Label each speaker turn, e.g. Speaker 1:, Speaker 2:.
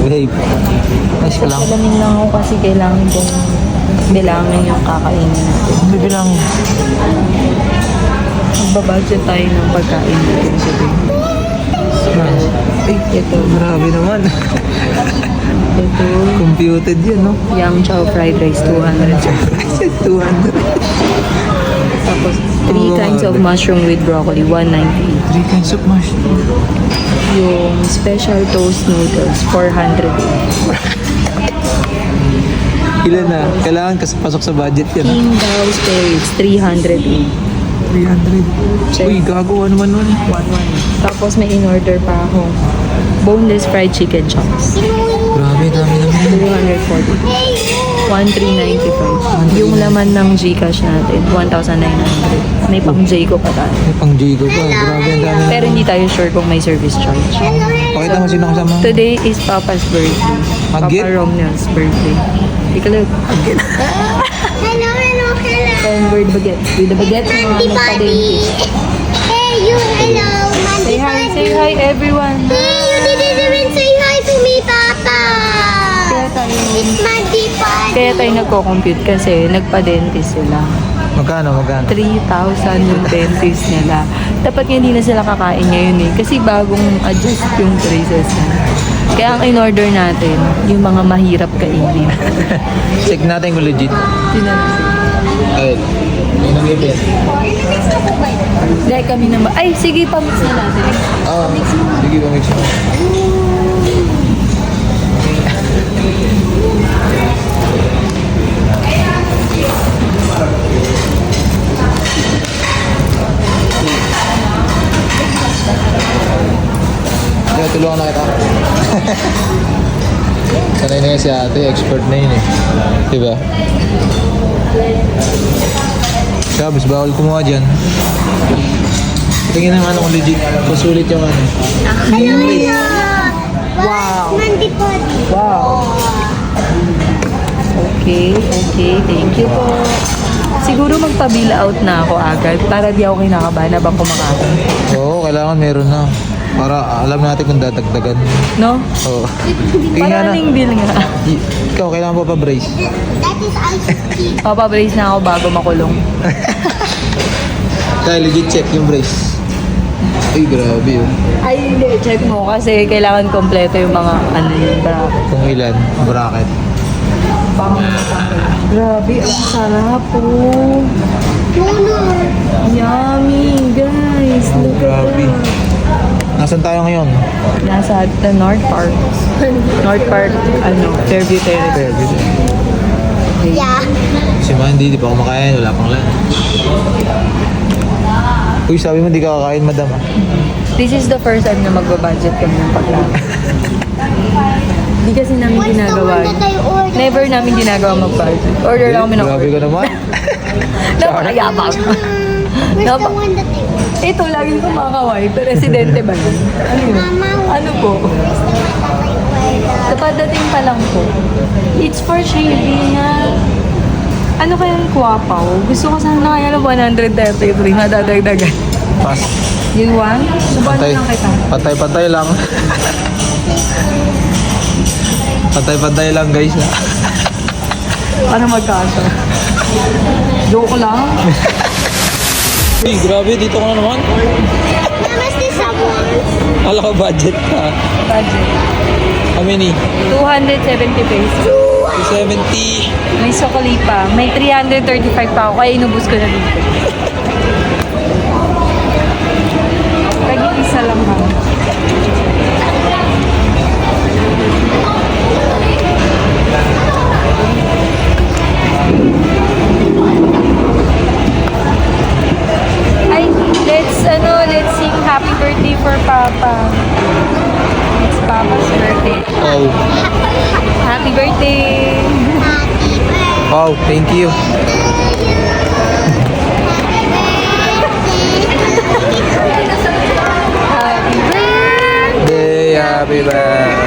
Speaker 1: Babe. Nice ka lang.
Speaker 2: Salamin lang ako kasi kailangan kong bilangin yung kakainin natin.
Speaker 1: Ano bibilangin?
Speaker 2: Magbabudget tayo ng pagkain natin today.
Speaker 1: Ay,
Speaker 2: Ito.
Speaker 1: grabe naman.
Speaker 2: Ito.
Speaker 1: Computed yun, no?
Speaker 2: Yum chow fried rice, 200.
Speaker 1: 200.
Speaker 2: Tapos, 3 kinds of mushroom with broccoli, 198.
Speaker 1: 3 kinds of mushroom.
Speaker 2: Yung special toast noodles, 400.
Speaker 1: Ilan na? Kailangan kasi pasok sa budget yan.
Speaker 2: King Bao spirits, 308.
Speaker 1: 300. Uy, gago. Ano man nun?
Speaker 2: 1-1. Tapos may in-order pa akong boneless fried chicken chops.
Speaker 1: Grabe, dami naman.
Speaker 2: 240. 1,395. Yung laman ng Gcash natin, 1,900. May pang Jayco pa tayo.
Speaker 1: May pang Jigo pa. Grabe, ang dami.
Speaker 2: Pero hindi tayo sure kung may service charge.
Speaker 1: Pakita mo sino kasama.
Speaker 2: Today is Papa's birthday.
Speaker 1: Agit?
Speaker 2: Papa Romneo's birthday. Take a look.
Speaker 1: Agit.
Speaker 3: Hello, hello, hello.
Speaker 2: Homeward baguettes. With the baguettes ng mga
Speaker 3: Mandy Buddy.
Speaker 2: nagpa-dentist.
Speaker 3: Hey, you, hello, Mandy
Speaker 2: Say hi,
Speaker 3: Buddy.
Speaker 2: say hi everyone.
Speaker 3: Hey, you didn't even say hi to me, Papa.
Speaker 2: Kaya tayo,
Speaker 3: It's Mandy Buddy.
Speaker 2: kaya tayo nagko-compute kasi nagpa-dentist sila.
Speaker 1: Magkano?
Speaker 2: 3,000 yung dentist nila. Dapat nga hindi na sila kakain ngayon eh. Kasi bagong adjust yung braces na. Kaya ang in-order natin, yung mga mahirap kainin.
Speaker 1: Check natin kung legit.
Speaker 2: Tinanong.
Speaker 1: Ay, may nag-event.
Speaker 2: Dahil kami naman. Ay, sige, pamix na natin.
Speaker 1: Ah, sige ba, mix mo. Kaya tulungan na kita. Sanay na yan si ate, expert na yun eh. Diba? Sabes, bawal kumuha dyan. Tingin ng ano kung legit. Pasulit yung ano.
Speaker 3: Hello, hello.
Speaker 2: Wow.
Speaker 3: Mandy Buddy.
Speaker 2: Wow. Okay, okay. Thank you po. Siguro magpa-bill out na ako agad para di ako kinakabahan habang kumakain.
Speaker 1: Oo, kailangan meron na. Para alam natin kung dadagdagan.
Speaker 2: No?
Speaker 1: Oo. Tingin nga na.
Speaker 2: Maraming bill nga.
Speaker 1: Ikaw, kailangan pa pa-brace.
Speaker 3: That is ice cream.
Speaker 2: Papabrace na ako bago makulong.
Speaker 1: Kaya legit check yung brace. Ay, grabe yun.
Speaker 2: Ay, hindi. Check mo kasi kailangan kompleto yung mga ano yun.
Speaker 1: Kung ilan, bracket.
Speaker 2: Grabe, ang sarap po.
Speaker 3: Puno.
Speaker 2: Yummy, guys.
Speaker 1: Oh,
Speaker 2: Look at
Speaker 1: grabe.
Speaker 2: that.
Speaker 1: Nasaan tayo ngayon?
Speaker 2: Nasa the North Park. North Park, Fairview Terrace.
Speaker 3: Yeah.
Speaker 1: Si Mandy, di pa kumakain, wala pang lunch. Uy, sabi mo di ka kakain, madam ah.
Speaker 2: This is the first time na magbabudget kami ng pagkain. Hindi kasi namin
Speaker 3: What's the
Speaker 2: ginagawa.
Speaker 3: one that I ordered?
Speaker 2: Never namin ginagawa mag-budget. Order lang kami ng
Speaker 1: Grabe ka naman.
Speaker 2: Napakayabang.
Speaker 3: Where's the
Speaker 2: Napa-
Speaker 3: one that I ordered?
Speaker 2: Ito, laging kumakaway. Presidente ba yun? Ano yun? Ano po? Kapadating pa lang po. It's for shaving na. Ano kaya yung kwapaw? Gusto ko sana kaya ng 133 na dadagdagan.
Speaker 1: Pas.
Speaker 2: Yung one? Subukan
Speaker 1: Patay.
Speaker 2: lang kita.
Speaker 1: Patay-patay lang. Patay-patay lang guys.
Speaker 2: Para magkasa. Joke lang.
Speaker 1: Uy, grabe, dito ka na naman.
Speaker 3: Namaste, someone.
Speaker 1: Kala ko budget ka.
Speaker 2: Budget.
Speaker 1: How many?
Speaker 2: 270 pesos.
Speaker 1: 270.
Speaker 2: May sukali pa. May 335 pa ako. Kaya inubos ko na dito. Nag-iisa lang ha. Ay, let's sing happy birthday for Papa. It's Papa's birthday.
Speaker 1: Oh.
Speaker 2: Happy birthday!
Speaker 3: Happy birthday.
Speaker 1: Wow, thank you.
Speaker 2: Happy birthday!
Speaker 1: Happy birthday.